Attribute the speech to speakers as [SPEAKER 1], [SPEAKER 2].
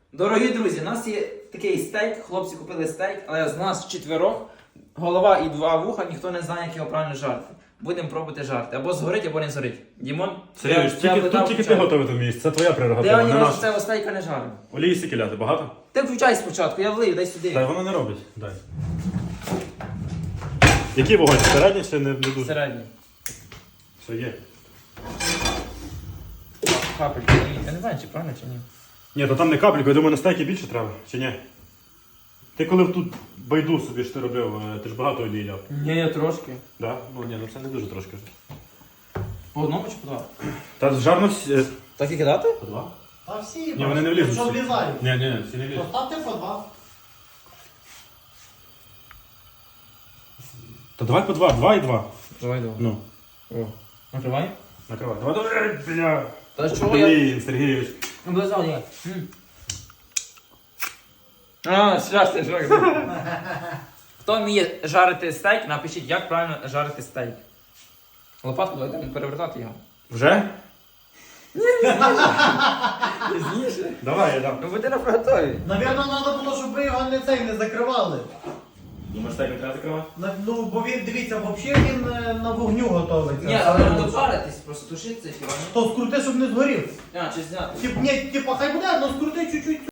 [SPEAKER 1] Дорогі друзі, у нас є такий стейк, хлопці купили стейк, але з нас четверох, голова і два вуха, ніхто не знає, як його правильно жарти. Будемо пробувати жарти. Або згорить, або не згорить. Дімон,
[SPEAKER 2] Сергій, тут тільки ти готовий там їсти, це твоя прерогатива,
[SPEAKER 1] Де
[SPEAKER 2] не
[SPEAKER 1] вони
[SPEAKER 2] наша.
[SPEAKER 1] цього стейка не жаримо?
[SPEAKER 2] Олії стільки ляти, багато?
[SPEAKER 1] Ти включай спочатку, я влию, дай сюди.
[SPEAKER 2] Та воно не робить, дай. Який вогонь? Середній чи не дуже?
[SPEAKER 1] Середній.
[SPEAKER 2] Все є.
[SPEAKER 1] Капельку. Я не знаю, чи правильно, чи ні.
[SPEAKER 2] Ні, то там не капельку, я думаю, на стейки більше треба, чи ні? Ти коли тут байду собі ж ти робив, ти ж багато олії ляв.
[SPEAKER 1] Ні, я трошки.
[SPEAKER 2] Да? Ну ні, ну це не дуже трошки.
[SPEAKER 1] По одному чи по два?
[SPEAKER 2] Та жарно всі...
[SPEAKER 1] Так і кидати?
[SPEAKER 2] По два?
[SPEAKER 3] Та всі,
[SPEAKER 2] Ні, вони не влізуть.
[SPEAKER 3] що
[SPEAKER 2] всі.
[SPEAKER 3] влізають.
[SPEAKER 2] Ні, всі не влізуть.
[SPEAKER 3] Поставте по два.
[SPEAKER 2] Та давай по два, два і два.
[SPEAKER 1] Давай, давай.
[SPEAKER 2] Ну,
[SPEAKER 1] О. Накривай.
[SPEAKER 2] накривай. Давай, бля.
[SPEAKER 1] Та чого я?
[SPEAKER 2] Блін, Сергійович.
[SPEAKER 1] Облизав, ні. А, зараз ти жар. Хто вміє жарити стейк, напишіть, як правильно жарити стейк. Лопатку давайте не перевертати його.
[SPEAKER 2] Вже?
[SPEAKER 1] Пізніше.
[SPEAKER 2] Давай, я дам.
[SPEAKER 1] Ну ви на приготові.
[SPEAKER 3] Навірно, треба було, щоб ви його не закривали.
[SPEAKER 2] Думаєш, так не треба закривати?
[SPEAKER 3] Ну, бо він, дивіться, взагалі він на вогню готовиться.
[SPEAKER 1] Ні, але треба жаритись, просто тушиться хіба.
[SPEAKER 3] То скрути, щоб не згорів.
[SPEAKER 1] А, чи зняти?
[SPEAKER 3] Типа, хай буде, але скрути чуть-чуть.